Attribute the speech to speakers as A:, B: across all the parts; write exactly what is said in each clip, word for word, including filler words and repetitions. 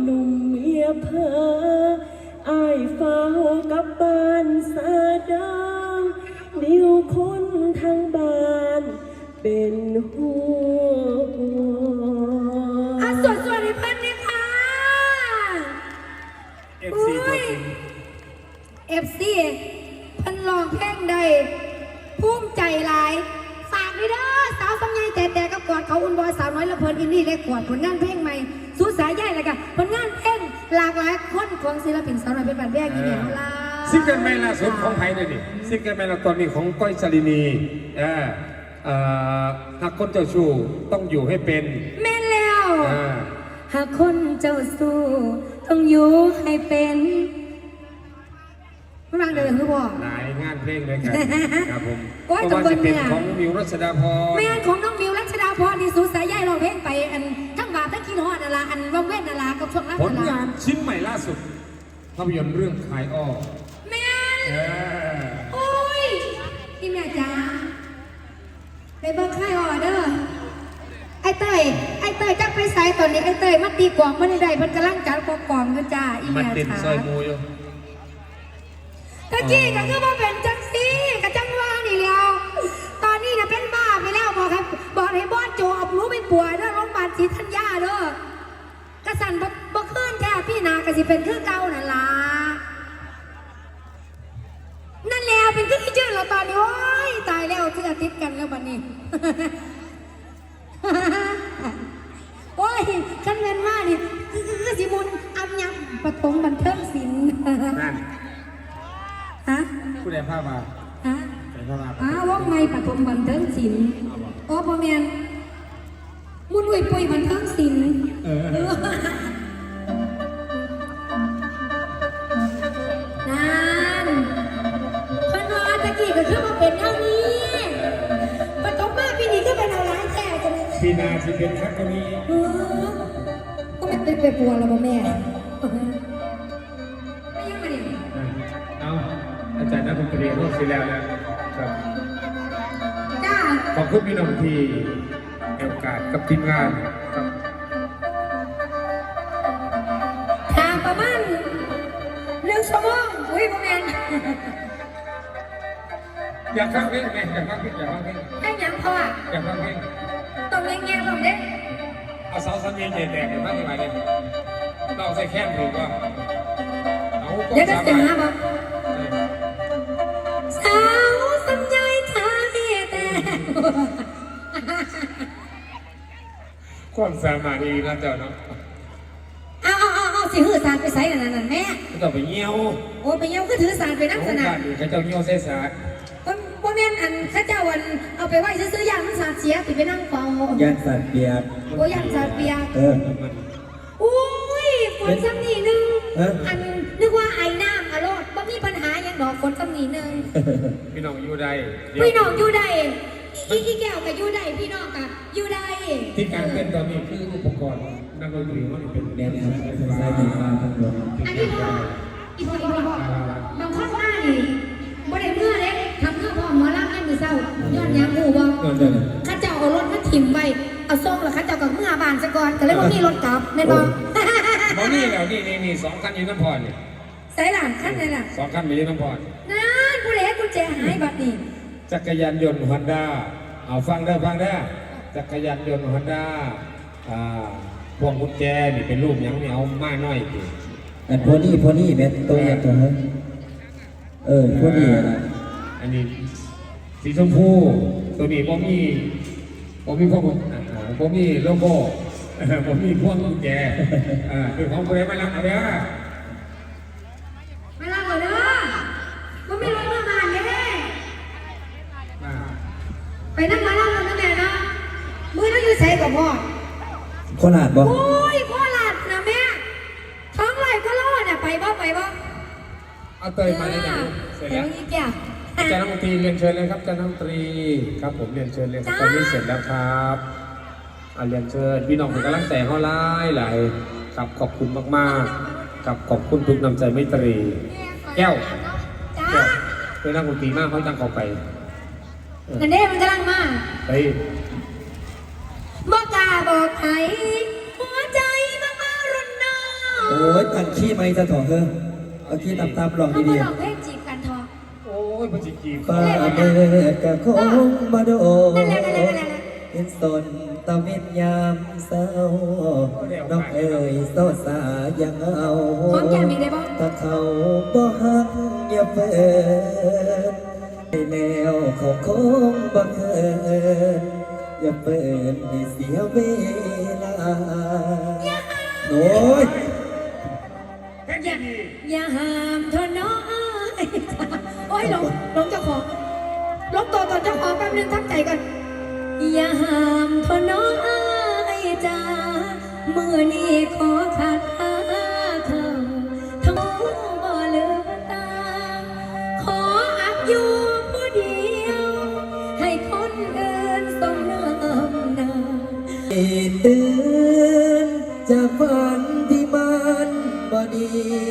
A: หนุ่มเมียเพออายเฝ้ากับบ้านสาดางเดียวคนทางบ้านเป็นห่วง
B: อ่ะสวดสวดให้เพื่อนเลยค่ะ
C: เอฟซีตัวจริง
B: เอฟซีเพิ่นร้องเพลงใดภูมิใจหลายฝากด้วยเด้อสาวสำไยแต่แต่กับกอดเขาอุ่นบอยสาวน้อยละเพลินอินดี้และกอดผลงานเพลงใหม่สู้สายใหญ่เลยค่ะผลงานเพลงหลากหลายคนของศิลปินสาวน้อยเป็นบันแรกยี่เหนียวลา
C: ซิงเกิลใหม่ล่าสุดของไทยเลยนี่ซิงเกิลใหม่ล่าตอนนี้ของก้อยชลินีเออเอ่อหากคนเจ้าชู้ต้องอยู่ให้เป็น
B: แม่นแล้วหากคนเจ้าสู้ต้องอยู่ให้เป็นไม่วางเดินคือบอก
C: หลายงานเพลงเลยกันครับผม
B: เพราะว่าจะเป็น
C: ของมิวรัชดาพร
B: แม่ของน้องมิวรัชดาพรนี่สูสายใหญ่ร้องเพลงไปอันทั้งบาปทั้งกินหอดนาราอันว่างเว้นนารากับช่วงนั้น
C: ผลงานชิ้นใหม่ล่าสุดภาพยนตร์เรื่องขายอ้อ
B: แม่โอ้ยพี่แม่จ๋าไปเบิร์คายออเดอร์ไอเตยไอเตยจักไปใส่ตอนนี้ไอเตยมาตีกวางมาในใดเพิ่นกำลังจัดกวางกันจ้าอีแม่จ๋า
C: ซอยมูอยู่
B: ตะกี้ก็คือว่าเป็นจังซี่กับจังว่านี่แล้วตอนนี้นะเป็นบ้าไปแล้วบอกครับบอกให้บอสโจเอารู้เป็นป่วยเด้อโรงพยาบาลศรีธัญญาเด้อกระสันบ่ขึ้นแค่พี่นากระสิเป็นคือเก่านั่นล่ะนั่นแล้วเป็นคือที่ชื่อเราตอนนี้โอ้ยตายแล้วที่อาทิตย์กันแล้วบัดนี้โอ้ยขันเงินมากนี่คือสิมุนอับยับปฐมบันเทิงศิลป์ฮะ
C: ผู้ใดพามา
B: ฮะอ้าวว่าไงปฐมบันเทิงศิลป์โอ้พ่อแม่มุนอุ้ยปุยบันเทิงศิลป์นั่นเพิ่นว่าตะกี้ก็คือมาเป็นเท่านี้ปฐมมาปีนี้ก็เป็นเอาล้านแก่กันเลย
C: ปีนาที่เป็นทักก็มี
B: ก็ไม่เป็นไปปัวแล้วพ่อแม่ไม่ยังมาเนี่ย
C: เอาอาจารย์นักดนตรีร่วมศิลป์แล้วนะครับ
B: จ้า
C: ขอบคุณพี่น้องที่ให้โอกาสกับทีมงานครับ
B: ทางประมาณเรื่องชั่วโมงอุ้ยพ่อแม่
C: อยากฟังเพลงไหมอยากฟังเพลงอยากฟังเพลง
B: ให้ยังพ่อ
C: อยากฟังเพลง
B: ต้องเงี้ยเงี้ยผมเด้
C: เอาสาวสัญญาเด็ดแดงมากที่ไหนเลยเราใส่แค้นถูกป่ะ
B: เดี๋ยวจะเสียงนะบอกสาวสัญญาทางแต่
C: ความสามารถดีนะเจ้าเนาะ
B: เอาเอาเอาเอาสิหื้อสารไปใส่นั่นนั่นแม่
C: ก็ต้องไปเงี้ยว
B: โอ้ไปเงี้ยวก็ถือสารไปนั่งสนาม
C: เขาเจ้าเงี้ยวใส่สาร
B: ก็พ่อแม่อันข้าเจ้าวันเอาไปไหว้ซื้อยางมันสารเสียติไปนั่งเฝ้าย
D: างสารเปียก
B: โอ้ยางสารเปียก
D: เออ
B: อุ้ยฝนซ้ำนี่นึงอันนึกว่าไอ้น้ำอารมณ์บ่มีปัญหาอย่างดอกฝนซ้ำนี่นึง
C: พี่น้องอยู่ใด
B: พี่น้องอยู่ใดอีกแก้วกับอยู่ใดพี่น้องกับอยู่ใด
C: ที่การเป็นตอนนี้คืออุปกรณ์นักดนตรีมันเป็น
D: แดนซ์ใส่ดีมาทั้งหมด
B: อันนี้พ่ออีพ่ออีพ่อบางข้อหน้านี่บ่ได้เมื่อเล็กทำเพื่อพ่อหมอลำให้มือเศร้าย้อนยาหูบ่ข้าเจ้าเอารถมาถิ่มไว้เอาส่งแล้วข้าเจ้ากับเมื่อบานซะก่อนก็เลยว่ามีรถกลับแม่นบ่
C: บ่มีแล้วนี่นี่นี่สองคันอยู่น้ำพรนี่
B: ใส่หลังคันไหนล่ะ
C: สองคันอยู่น้ำพร
B: นั่นผู้เล็กกุญแจหายบัดนี้
C: จักรยานยนต์ฮอนด้าเอาฟังได้ฟังได้จักรยานยนต์ฮอนด้าอ่าพวงกุญแจนี่เป็นรูปยังเนี่ยเอามาหน่อย
D: อันพวกนี้พวกนี้เป็นตัวอย่างตัวเฮ้ยเออพวกนี้นะ
C: อันนี้สีชมพูตัวนี้ผมมีผมมีพวกผมมีโลโก้ผมมีพวงกุญแจอ่าคือของคนไหนไม่รับเอาเด้อ
B: ไม่รับเอาเด้อผมมีรถมาบ้านเนี่ยไปนั่งมาแล้วนั่งแม่นะมือนั่งอยู่ใส่กับพ่อ
D: โคราชบ่
B: โอ้ยโคราชนะแม่ท้องไหลก็รอดเนี่ยไปบ่ไปบ่
C: เอาเตยมาเลยจ้ะเสร็จแล้วอาจารย์นักดนตรีเรียนเชิญเลยครับอาจารย์นักดนตรีครับผมเรียนเชิญเลยครับตอนนี้เสร็จแล้วครับอ่าเรียนเชิญพี่น้องเป็นกำลังใจเขาไล่หลายครับขอบคุณมากๆกับขอบคุณทุกน้ำใจไมตรีแก้วแก้วเป็นนักดนตรีมากเขาตั้งเขาไป
B: นั่นเด้มันกำลังมา
C: ไป
B: บอกกาบอกใครหัวใจมามารุนนา
D: โอ้ยตั้งขี้ไม่จะถอดเถอะเอาขี้ตามๆลอง
B: เขา
D: ดี
B: มาลองเพลงจีบกันทอ
C: โอ้ยมันจิกีบ
D: ๆฟ้าเบิดกะคงมาโดน
B: นั่นแหละนั่นแหละนั่นแหละ
D: เห็นสนตะเวนยามเศร้าน้องเอ๋ยโซสายังเอา
B: หอมแก้มอีกได้บ่
D: ถ้าเขาบ่หักอย่าเปิดไปแล้วเขาคงบ่เคินอย่าเปิดให้เสียเวลาโอ้ย
C: แค่นี้ดี
B: อย่าห้ามเธอน้อย โอ้ยหลงหลงเจ้าของหลงตัวตอนเจ้าของแป๊บนึงทักใจกันอย่าห้ามเธอน้อยจ้ามือนี้ขอขัดหาเขาทั้งบ่เลือตาขออักอยู่ผู้เดียว ให้คนอื่นสมน้ำหน้า
D: ตื่นจากฝันที่มันบ่ดี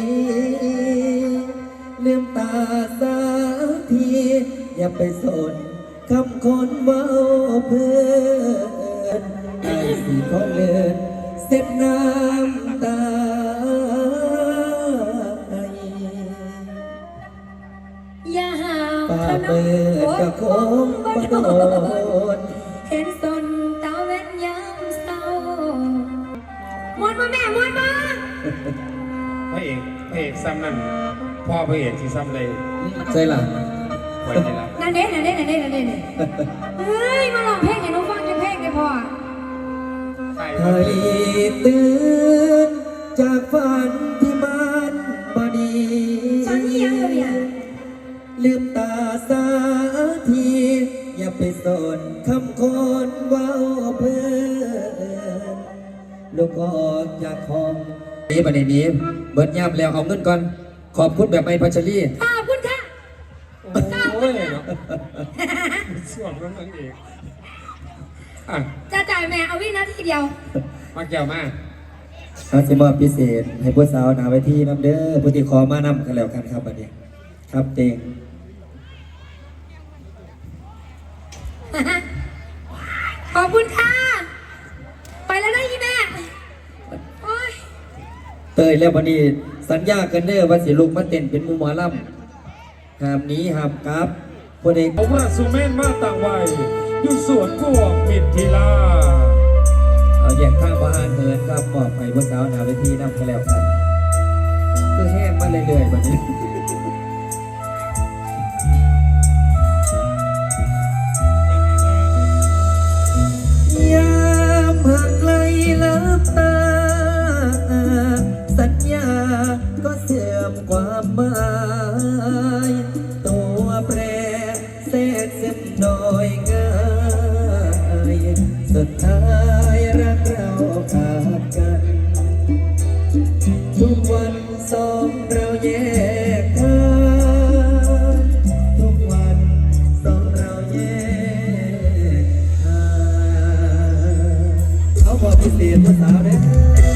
D: ลืมตาสาทีอย่าไปสนคำคนเว้าเพื่อนไอ้สีพอเลินเส็บน้ำตา
B: อย่าห้าม
D: ป่า
B: เธอน้
D: เปิด
B: อย
D: กะคงบ่โดน
B: เห็นสนตาเว้นยามเศร้ามวนมาแม่มวนมา
C: พระเอกพระเอกซ้ำนั่นพ่อพระเอกที่ซ้ำเลย
D: ใช่ล่ะ
C: ไว้ที่ละ
B: นั่นเด้นั่นเด้นั่นเด้นั่นเด้นี่เฮ้ย มาลองเพลงให้หน้องฟังจะเพลงได้พอ
C: ใช่
D: ให้ตื่นจากฝันที่มันบ่ดี
B: ตอนนี้ยังอยู่เนี่ย
D: ลืมตาสาทีอย่าไปสนคำคนเว้าเพื่อนลูกออกจากห้องนี้ประเด็นนี้เบิดย่ำแล้วเอาเงินก่อน ขอบคุณแบบไม่พัชรี
B: ขอบคุณค่ะ
C: โอ้ยเนาะส่วนนั้นนั่นเองอ่ะ
B: จะจ่ายแม่เอาวินาทีเดียว
C: มาเกี่ยวมา
D: อาสิมอบพิเศษ ให้ผู้สาวหนาไว้ที่น้ำเด้อผู้ที่ขอมานำกันแล้วกันครับวันนี้ ครับเต็ง
B: ขอบคุณค่ะ ไปแล้วนะยี่แม่ โอ้ย
D: เตยแล้ววันนี้สัญญากันเด้อว่าสิลูกมาเต้นเป็นหมูหมอลำหามหนี้หามกราบผู้ใด
C: ผมว่าสุเมนมาต่างวัยอยู่สวนพวกมิตรทีลา
D: เอาแยกข้างบ้านเหินครับมอบให้ผู้สาวหนาไว้ที่น้ำกันแล้วกันคือแห้งมาเรื่อยๆวันนี้ ยามห่างไกลลับตา สัญญาก็เสื่อมความหมายตัวแปรแทรกซึมโดยง่ายสุดท้ายรักเราขาดกัน ทุกวันสองเราแยกทางทุกวันสองเราแยกทางเขาบอกพิเศษภาษาเด้อ